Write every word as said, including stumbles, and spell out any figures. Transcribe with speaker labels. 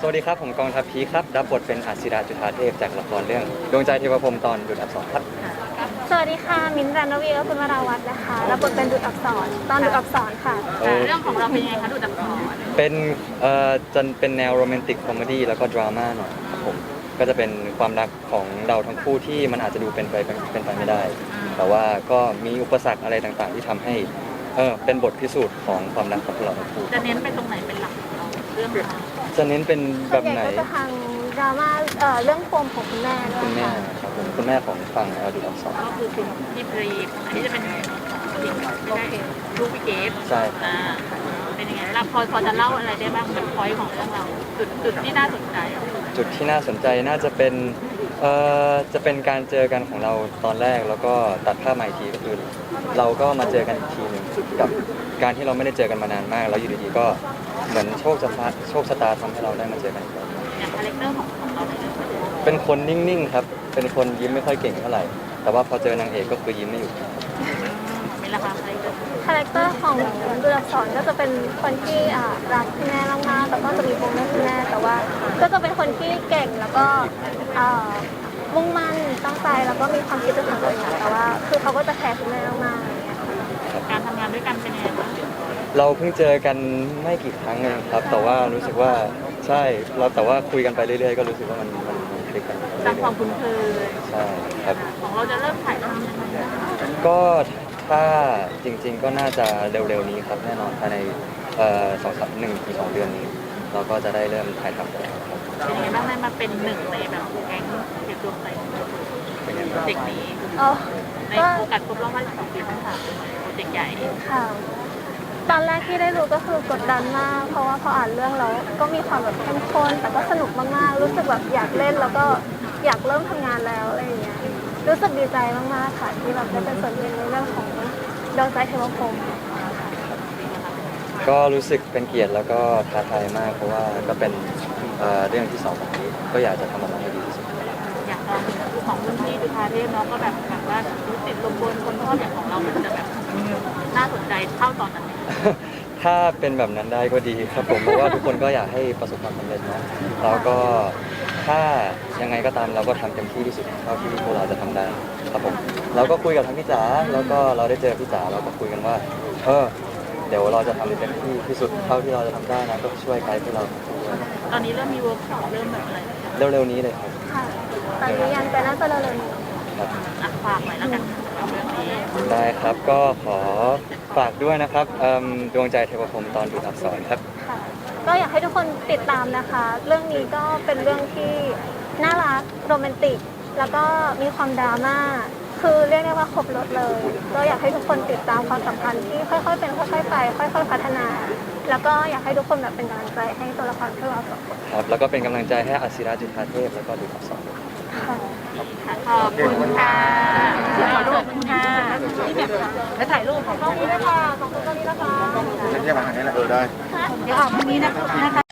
Speaker 1: วัสดีครับผมกองทัพพีครับรับบทเป็นอัศิราจุฑาเทพจากละครเรื่องดวงใจเทวพรหมตอนดุจอักษรครับ
Speaker 2: สวัสดีค่ะมิ้นท์รันวีและคุณวราวัฒน์นะคะรับบทเป็นดุจอักษรตอนดุจอักษรค่ะ
Speaker 3: เรื่องของเราเป็นยังไงคะดุจอักษร
Speaker 1: เป็นเอ่อจะเป็นแนวโรแมนติกคอมเมดี้แล้วก็ดราม่าหน่อยครับผมก็จะเป็นความรักของเราทั้งคู่ที่มันอาจจะดูเป็นไปเป็นไปไม่ได้ แต่ว่าก็มีอุปสรรคอะไรต่างๆ ที่ทำให้เออเป็นบทพิสูจน์ของความรักของพวกเราทั้งคู่
Speaker 3: จะเน้นไปตรงไหนเป็นหลักของเราเรื่องของเรา
Speaker 1: จะเน้นเป็นแบบไหน
Speaker 2: ก็จะทางดราม่าเอ่อเรื่องปมของคุณแม่ด้ว
Speaker 1: คุณแม่
Speaker 2: ยค่ะ
Speaker 1: ครับผมคุณแม่ของฝั่งดุจอักษร
Speaker 3: ก็คือคุณพี่ปรีอันนี้จะเป็นผู้หญิงไม่ได้ลูกพี่เกฟ
Speaker 1: ใช่
Speaker 3: อ่าเป็นยังไงเราพอพอจะเล่าอะไรได้บ้างเป็นพอยต์ของเรื่องเราจุดจุดที่น่าสนใจ
Speaker 1: จุดที่น่าสนใจน่าจะเป็นเอ่อจะเป็นการเจอกันของเราตอนแรกแล้วก็ตัดภาพใหม่ทีก็คือเราก็มาเจอกันอีกทีหนึ่งกับการที่เราไม่ได้เจอกันมานานมากแล้วอยู่ดีๆก็เหมือนโชคชะตาโชคชะตาทำให้เราได้มาเจอกันอีกแล้ว
Speaker 3: อย่างคาแรคเตอร์ของของเราในเรื่อง
Speaker 1: เป็นคนนิ่งๆครับเป็นคนยิ้มไม่ค่อยเก่งเท่าไหร่แต่ว่าพอเจอนางเอกก็คือยิ้มไม่หยุด
Speaker 3: มีราคา
Speaker 2: คาแรคเตอร์ของดุจอักษรก็จะเป็นคนที่อ่ารักคุณแม่มากๆแล้วก็จะมีปมเรื่องคุณแม่แต่ว่าก็จะเป็นคนที่เก่งแล้วก็อ่ามุ่งมั่นตั้งใจแล้วก็มีความคิดเป็นของตัวเองแต่ว่าคือเขาก็จะแคร์คุณแม่มากๆ
Speaker 3: การทำงานด้วยกันเป็นยังไงบ้าง
Speaker 1: เราเพิ่งเจอกันไม่กี่ครั้งเองครับแต่ว่ารู้สึกว่าใช่เราแต่ว่าคุยกันไปเรื่อยๆก็รู้สึกว่ามันมันมันคลิกกัน
Speaker 3: สร้างความคุ้นเคย
Speaker 1: ใช่ครับ
Speaker 3: ของเราจะเริ่มถ่ายทำยังไง
Speaker 1: ก็ถ้าจริงๆก็น่าจะเร็วๆนี้ครับแน่นอนภายในเอ่อสองสามหนึ่งถึงสองเดือนนี้เราก็จะได้เริ่มถ่ายทำกันแล้วครับ
Speaker 3: เป็นยังไงบ้างได้มาเป็นหนึ่งในแบบแก๊งเด็กดวงใจเด็กนี้ในโอกาสครบรอบห้าสิบสองปีทั้งสามโปรเจกต์ใหญ่
Speaker 2: ค่ะตอนแรกที่ได้รู้ก็คือกดดันมากเพราะว่าพออ่านเรื่องแล้วก็มีความแบบเข้มข้นแต่ก็สนุกมากๆรู้สึกแบบอยากเล่นแล้วก็อยากเริ่มทำงานแล้วอะไรอย่างเงี้ยรู้สึกดีใจมากๆค่ะที่แบบได้เป็นส่วนหนึ่งในเรื่องของดวงใจเทวพรหม
Speaker 1: ก็รู้สึกเป็นเกียรติแล้วก็ท้าทายมากเพราะว่าก็เป็นเรื่องที่สองของนี้ก็อยากจะทำออกมาให้ดีที่สุด
Speaker 3: อยากลองของรุ่นพี่ดุฑาเทพเนาะก็แบบแบบว่าติดลมบนคนชอบอย่างของเรามันจะแบบน่าสนใจเท่าตอนนั้น
Speaker 1: ถ้าเป็นแบบนั้นได้ก็ดีครับผมเพราะว่าทุกคนก็อยากให้ประสบความสำเร็จนะแล้วก็ถ้ายังไงก็ตามเราก็ทำเต็มที่ที่สุดเท่าที่พวกเราจะทำได้ครับผมเราก็คุยกับทั้งพี่จ๋าแล้วก็เราได้เจอพี่จ๋าเราก็คุยกันว่าเออเดี๋ยวเราจะทำเต็มที่ที่สุดเท่าที่เราจะทำได้นะก็ช่วยไกด์พวกเราด้วย
Speaker 3: ตอนนี้เริ่มมีเวิร์กช็อปเริ่มแบบอะไร
Speaker 1: เร็วๆนี้เลยครับ
Speaker 2: ค่ะตอนนี้ยังแต่น่าจะเร็วๆนี้
Speaker 3: ครับฝากหน่อยแล้วกันเรื่องนี้
Speaker 1: ได้ครับก็ขอฝากด้วยนะครับดวงใจเทวพรหมตอนดุจอักษรครับ
Speaker 2: ค่ะก็อยากให้ทุกคนติดตามนะคะเรื่องนี้ก็เป็นเรื่องที่น่ารักโรแมนติกแล้วก็มีความดราม่าคือเรียกได้ว่าครบรถเลยก็อยากให้ทุกคนติดตามความสัมพันธ์ที่ค่อยๆเป็นค่อยๆไปค่อยๆพัฒนาแล้วก็อยากให้ทุกคนแบบเป็นกำลังใจให้ตัวละครพวกเราสองคน
Speaker 1: ครับแล้วก็เป็นกำลังใจให้อัศิราจุฑาเทพแล้วก็ดุจอักษร
Speaker 3: ค่ะขอบคุณค่ะขอรูปคุณค่ะที่แบบแล้วถ่ายรูปของกล้องนี้นะคะของกล้องนี้นะคะ
Speaker 4: เดี๋ยวมาทางนี้แหละเออได้
Speaker 3: เดี๋ยวออกทางนี้นะคะ